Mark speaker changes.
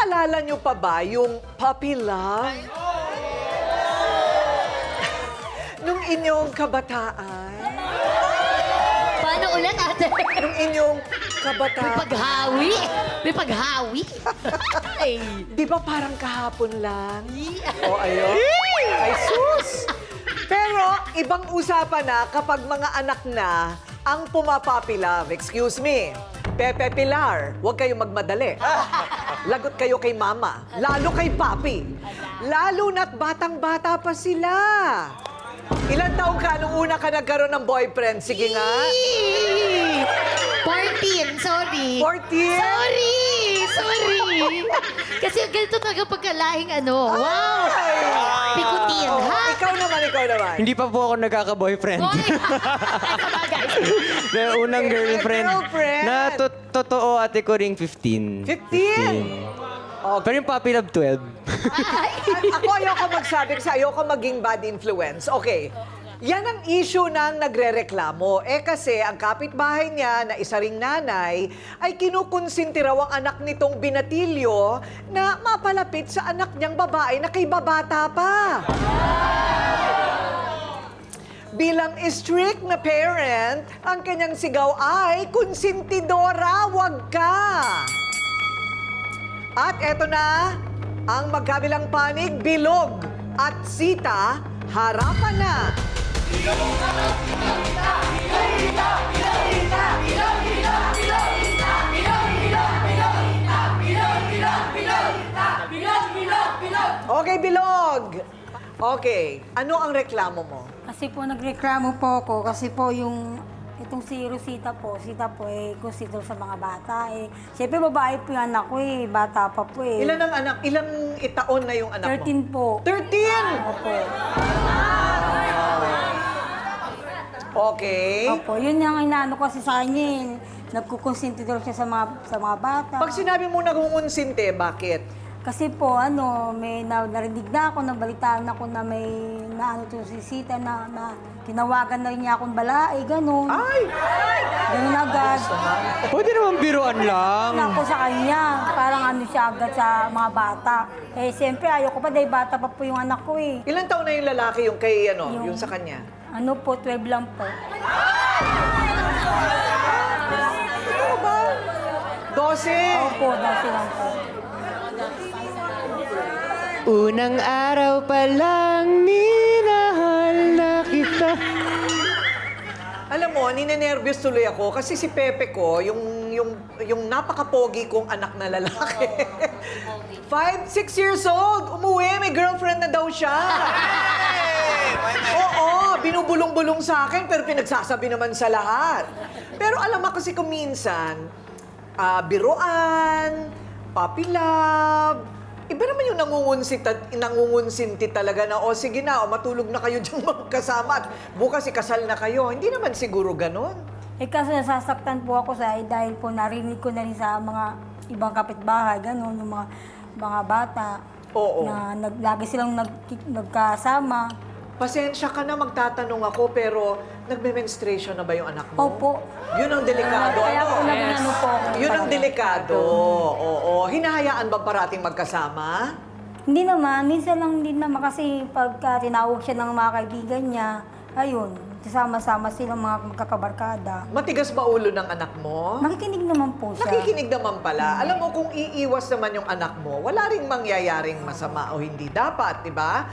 Speaker 1: Naalala niyo pa ba yung puppy love? Nung inyong kabataan?
Speaker 2: Paano ulit, ate?
Speaker 1: Nung inyong
Speaker 2: May
Speaker 1: kabataan?
Speaker 2: paghawi. May paghawi. Ay.
Speaker 1: Di ba parang kahapon lang? O, ayun. Ay, sus! Pero, ibang usapan na kapag mga anak na ang pumapuppy love. Excuse me. Pepe Pilar, huwag kayong magmadali. Lagot kayo kay mama, lalo kay papi. Lalo na't batang-bata pa sila. Ilan taong ka nung una ka nagkaroon ng boyfriend? Sige nga.
Speaker 2: 14, sorry.
Speaker 1: 14?
Speaker 2: Sorry. Kasi ganito talaga pagkalahing ano. Wow! Pikutin,
Speaker 1: Oh,
Speaker 2: ha?
Speaker 1: ikaw naman.
Speaker 3: Hindi pa po ako nagkaka-boyfriend.
Speaker 2: Hoy! Ay, sabagay.
Speaker 3: May unang girlfriend.
Speaker 1: Girlfriend.
Speaker 3: Na totoo ate ko ring 15.
Speaker 1: 15? Okay.
Speaker 3: Pero yung puppy love 12.
Speaker 1: Ako ayoko magsabi kasi ayoko maging bad influence. Okay. Yan ang issue ng nagrereklamo. Kasi ang kapitbahay niya na isa ring nanay ay kinukonsinti raw ang anak nitong binatilyo na mapalapit sa anak niyang babae na kay babata pa. Bilang strict na parent, ang kanyang sigaw ay, konsentidora, wag ka! At eto na, ang magkabilang panig, Bilog at Sita, harapan na. Okay, Bilog. Okay, ano ang reklamo mo?
Speaker 4: Kasi po nagreklamo po ako kasi po yung itong si Rosita po consider sa mga bata Siyempre babae po yung anak ko bata pa po
Speaker 1: Ilan ang anak? Ilang taon na yung anak mo?
Speaker 4: 13 po.
Speaker 1: 13!
Speaker 4: Opo.
Speaker 1: Okay.
Speaker 4: Opo, yun yung inaano ko kasi sa kanya Nagkukonsinti daw siya sa mga bata.
Speaker 1: Pag sinabi mo nag-uunsinte, bakit?
Speaker 4: Kasi po, may narinig na ako, nabalitaan ako na may naano to si Sita na tinawagan na rin niya akong balae, gano'n.
Speaker 1: Ay!
Speaker 4: Gano'n agad.
Speaker 3: Pwede naman biruan lang.
Speaker 4: Ako sa kanya, parang ano siya agad sa mga bata. Siyempre, ayoko pa dahil bata pa po yung anak ko
Speaker 1: Ilan taon na yung lalaki yung kay yung sa kanya?
Speaker 4: Ano po, 12 lang po.
Speaker 1: Ano ba? 12?
Speaker 4: Opo, dati lang po.
Speaker 3: Unang araw pa lang, minahal na kita.
Speaker 1: Alam mo, ninenervyos tuloy ako kasi si Pepe ko, yung napaka-pogi kong anak na lalaki. 5, 6 years old, umuwi, may girlfriend na daw siya. Oo, binubulong-bulong sa akin pero pinagsasabi naman sa lahat. Pero alam mo kasi kung minsan, biruan, puppy love, iba naman yung nangungunsinti talaga na, sige na, matulog na kayo dyan magkasama at bukas ikasal na kayo. Hindi naman siguro ganon.
Speaker 4: Kasi nasasaktan po ako dahil po narinig ko na rin sa mga ibang kapitbahay, gano'n, yung mga bata.
Speaker 1: Oo.
Speaker 4: Na lagi silang nagkasama.
Speaker 1: Pasensya ka na, magtatanong ako, pero nagme-menstruation na ba yung anak mo?
Speaker 4: Opo.
Speaker 1: Yun ang delikado.
Speaker 4: Kaya po nag-ano po ako.
Speaker 1: Yun ang delikado. Oo. Hinahayaan ba parating magkasama?
Speaker 4: Hindi naman, minsan lang din naman kasi pagka tinawag siya ng mga kaibigan niya, ayun, kasama-sama silang mga magkakabarkada.
Speaker 1: Matigas ba ulo ng anak mo?
Speaker 4: Nakikinig naman po siya.
Speaker 1: Nakikinig naman pala. Alam mo, kung iiwas naman yung anak mo, wala ring mangyayaring masama o hindi dapat, di ba?